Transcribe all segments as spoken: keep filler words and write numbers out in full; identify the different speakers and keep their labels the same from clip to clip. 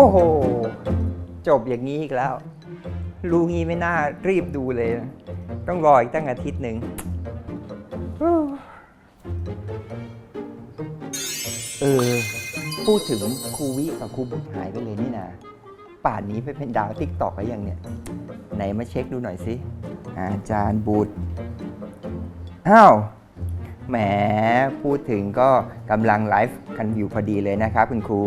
Speaker 1: อ้โหจบอย่างนี้อีกแล้วรู้งี้ไม่น่ารีบดูเลยนะต้องรออีกตั้งอาทิตย์หนึ่งเออพูดถึงครูวิกับครูบุตรหายไปเลยนี่นะป่านนี้ไปเป็นดาวติ๊กตอกแล้วยังเนี่ยไหนมาเช็คดูหน่อยสิอาจารย์บุตรอ้าวแหมพูดถึงก็กำลังไลฟ์กันอยู่พอดีเลยนะครับคุณครู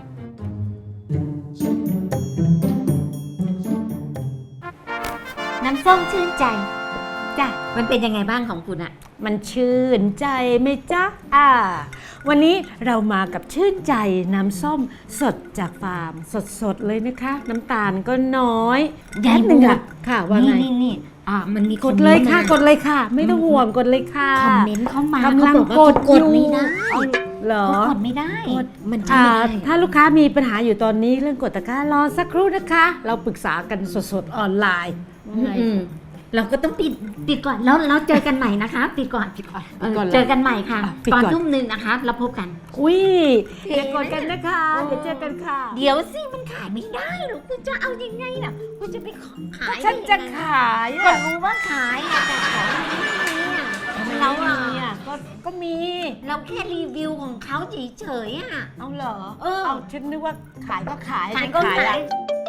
Speaker 2: น้ำส้มชื่นใจจ้ะมันเป็นยังไงบ้างของคุณอะ
Speaker 3: มันชื่นใจไหมจ๊ะอ่าวันนี้เรามากับชื่นใจน้ำส้มสดจากฟาร์มสดๆเลยนะคะ น้ำตาลก็น้อยแค่หนึ่งอะค่ะว่าไง
Speaker 2: นี่นี่อ่ามันมี
Speaker 3: กดเลยค่ะกดเลยค่ะไม่ต้องห่วงกดเลยค่ะ
Speaker 2: คอมเมนต์เข้ามาก
Speaker 3: ำลังกด
Speaker 2: กดไม่ได้
Speaker 3: เหรอก
Speaker 2: ดไม่ได้มัน
Speaker 3: อ่าถ้าลูกค้ามีปัญหาอยู่ตอนนี้เรื่องกดตะกร้ารอสักครู่นะคะเราปรึกษากันสดๆออนไลน์
Speaker 2: เราก็ต้องปิดปิดก่อนแล้วเราเจอกันใหม่นะคะปิดก่อนปิดก่อนเจอกันใหม่ค่ะตอนทุ่มหนึ่งนะคะเราพบกัน
Speaker 3: อุ้ยอย่ากดกันนะคะเดี๋ยวเจอกันค่ะ
Speaker 2: เดี๋ยวสิมันขายไม่ได้หรอกคุณจะเอายังไงน่ะคุณจะไปขาย
Speaker 3: ฉันจะขาย
Speaker 2: ก็รู้ว่าขายแต่ของไม่มีเราอ่ะ
Speaker 3: ก็ก็มี
Speaker 2: เราแค่รีวิวของเขาเฉยๆอ่ะ
Speaker 3: เอาเหรอ
Speaker 2: เออ
Speaker 3: เอาฉันนึกว่าขายก็ขาย
Speaker 2: ขายก็ขาย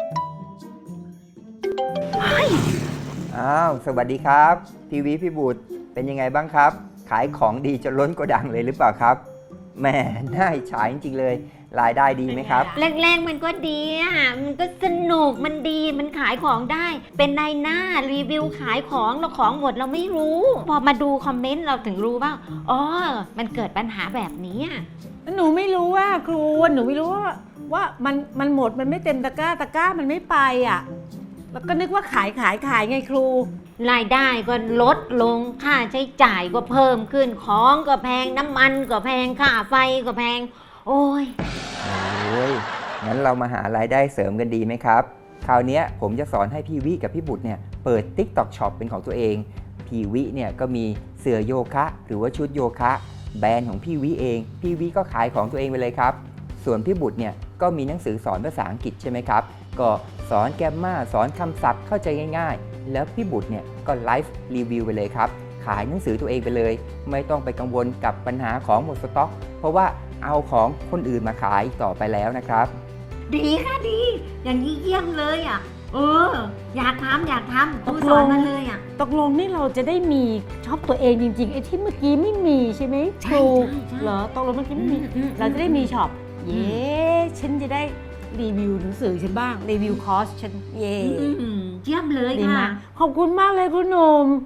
Speaker 1: อ้าวสวัสดีครับทีวีพี่บุตรเป็นยังไงบ้างครับขายของดีจนล้นโกดังเลยหรือเปล่าครับแหมน่าอิจฉาจริงๆเลยรายได้ดีไหมครับ
Speaker 2: แรกๆมันก็ดีอ่ะมันก็สนุกมันดีมันขายของได้เป็นนายหน้ารีวิวขายของเราของหมดเราไม่รู้พอมาดูคอมเมนต์เราถึงรู้ว่าอ๋อมันเกิดปัญหาแบบนี้
Speaker 3: หนูไม่รู้ว่าครูหนูไม่รู้ว่าว่ามันมันหมดมันไม่เต็มตะกร้าตะกร้ามันไม่ไปอ่ะแล้วก็นึกว่าขายขายขายไงครู
Speaker 2: รายได้ก็ลดลงค่าใช้จ่ายก็เพิ่มขึ้นของก็แพงน้ำมันก็แพงค่าไฟก็แพงโอ้ย
Speaker 1: โอ้ยงั้นเรามาหารายได้เสริมกันดีไหมครับคราวนี้ผมจะสอนให้พี่วิกับพี่บุตรเนี่ยเปิด TikTok Shop เป็นของตัวเองพี่วิเนี่ยก็มีเสื้อโยคะหรือว่าชุดโยคะแบรนด์ของพี่วิเองพี่วิก็ขายของตัวเองไปเลยครับส่วนพี่บุตรเนี่ยก็มีหนังสือสอนภาษาอังกฤษใช่ไหมครับก็สอนแกมมาสอนคำศัพท์เข้าใจง่ายๆแล้วพี่บุตรเนี่ยก็ไลฟ์รีวิวไปเลยครับขายหนังสือตัวเองไปเลยไม่ต้องไปกังวลกับปัญหาของหมดสต็อกเพราะว่าเอาของคนอื่นมาขายต่อไปแล้วนะครับ
Speaker 2: ดีค่ะดีอย่างนี้เยี่ยมเลยอ่ะเอออยากทำอยากทำครูสอนมาเลยอ่ะ
Speaker 3: ตกลงนี่เราจะได้มีช็อปตัวเองจริงๆไอ้ที่เมื่อกี้ไม่มีใช่ไหมครูเหรอตกลงเมื่อกี้ไม่มีเราจะได้มีช็อปเย้ฉันจะได้รีวิวหนังสือฉันบ้างรีวิวคอร์สฉันเย่
Speaker 2: เยี่ยมเลยค่ะ
Speaker 3: ขอบคุณมากเลยคุณหนุ่ม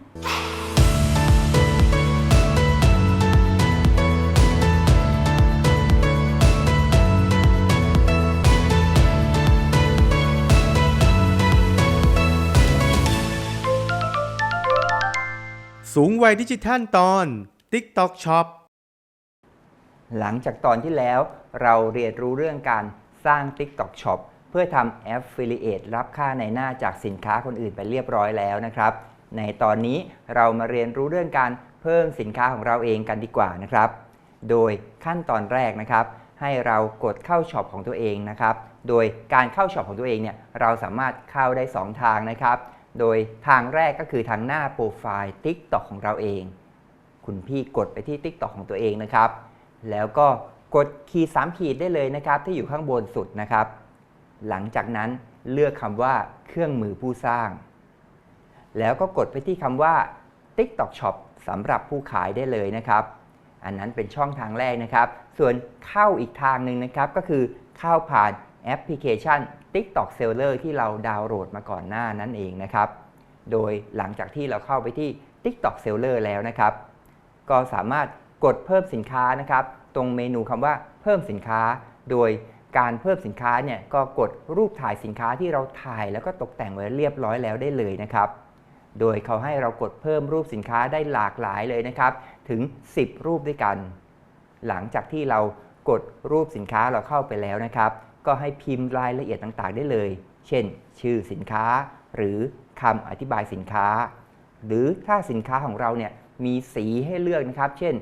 Speaker 4: สูงวัยดิจิทัลตอน TikTok Shop
Speaker 1: หลังจากตอนที่แล้วเราเรียนรู้เรื่องการสร้าง TikTok Shop เพื่อทำ Affiliate รับค่าในหน้าจากสินค้าคนอื่นไปเรียบร้อยแล้วนะครับในตอนนี้เรามาเรียนรู้เรื่องการเพิ่มสินค้าของเราเองกันดีกว่านะครับโดยขั้นตอนแรกนะครับให้เรากดเข้าช็อปของตัวเองนะครับโดยการเข้าช็อปของตัวเองเนี่ยเราสามารถเข้าได้สองทางนะครับโดยทางแรกก็คือทางหน้าโปรไฟล์ TikTok ของเราเองคุณพี่กดไปที่ TikTok ของตัวเองนะครับแล้วก็กดขีดสามขีดได้เลยนะครับที่อยู่ข้างบนสุดนะครับหลังจากนั้นเลือกคำว่าเครื่องมือผู้สร้างแล้วก็กดไปที่คำว่า TikTok Shop สำหรับผู้ขายได้เลยนะครับอันนั้นเป็นช่องทางแรกนะครับส่วนเข้าอีกทางหนึ่งนะครับก็คือเข้าผ่านแอปพลิเคชัน TikTok Seller ที่เราดาวน์โหลดมาก่อนหน้านั้นเองนะครับโดยหลังจากที่เราเข้าไปที่ TikTok Seller แล้วนะครับก็สามารถกดเพิ่มสินค้านะครับตรงเมนูคำว่าเพิ่มสินค้าโดยการเพิ่มสินค้าเนี่ยก็กดรูปถ่ายสินค้าที่เราถ่ายแล้วก็ตกแต่งไว้เรียบร้อยแล้วได้เลยนะครับโดยเขาให้เรากดเพิ่มรูปสินค้าได้หลากหลายเลยนะครับถึงสิบรูปด้วยกันหลังจากที่เรากดรูปสินค้าเราเข้าไปแล้วนะครับก็ให้พิมพ์รายละเอียดต่างๆได้เลยเช่นชื่อสินค้าหรือคำอธิบายสินค้าหรือถ้าสินค้าของเราเนี่ยมีสีให้เลือกนะครับเช่น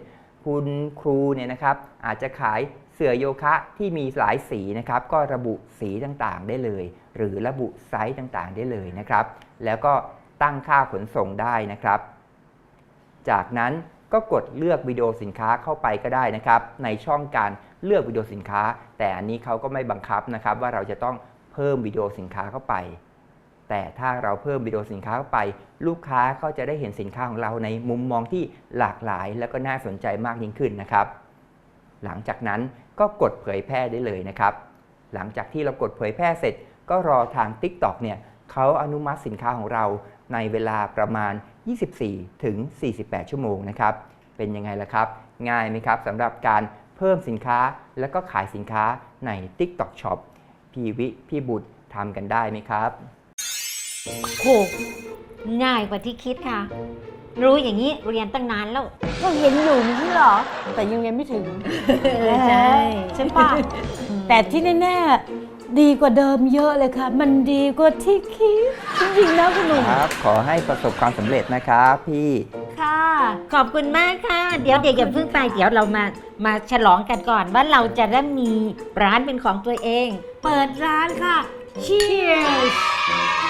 Speaker 1: คุณครูเนี่ยนะครับอาจจะขายเสื่อโยคะที่มีหลายสีนะครับก็ระบุสีต่างๆได้เลย หรือระบุไซส์ต่างๆได้เลยนะครับแล้วก็ตั้งค่าขนส่งได้นะครับจากนั้นก็กดเลือกวิดีโอสินค้าเข้าไปก็ได้นะครับในช่องการเลือกวิดีโอสินค้าแต่อันนี้เขาก็ไม่บังคับนะครับว่าเราจะต้องเพิ่มวิดีโอสินค้าเข้าไปแต่ถ้าเราเพิ่มวิดีโอสินค้าเข้าไปลูกค้าก็จะได้เห็นสินค้าของเราในมุมมองที่หลากหลายและก็น่าสนใจมากยิ่งขึ้นนะครับหลังจากนั้นก็กดเผยแพร่ได้เลยนะครับหลังจากที่เรากดเผยแพร่เสร็จก็รอทาง TikTok เนี่ยเขาอนุมัติสินค้าของเราในเวลาประมาณยี่สิบสี่ถึงสี่สิบแปดชั่วโมงนะครับเป็นยังไงล่ะครับง่ายไหมครับสำหรับการเพิ่มสินค้าและก็ขายสินค้าใน TikTok Shop พี่วิพี่บุตรทำกันได้ไหมครับ
Speaker 2: โหง่ายกว่าที่คิดค่ะ รู้อย่างนี้เรียนตั้งนานแล้ว
Speaker 3: ก็เห็นอยู่ไม่ใช่เหรอ แต่ยังเรียนไม่ถึง
Speaker 2: ใช่
Speaker 3: ใช่ป่ะ แต่ที่แน่ๆดีกว่าเดิมเยอะเลยค่ะ มันดีกว่าที่คิดจริงๆนะคุณหนุ่ม
Speaker 1: ครับขอให้ประสบความสำเร็จนะครับพี่
Speaker 3: ค่ะ
Speaker 2: ขอบคุณมากค่ะ เดี๋ยวเด็กอย่าเพิ่งไปเดี๋ยวเรามามาฉลองกันก่อนว่าเราจะได้มีร้านเป็นของตัวเอง
Speaker 3: เปิดร้านค่ะ Cheers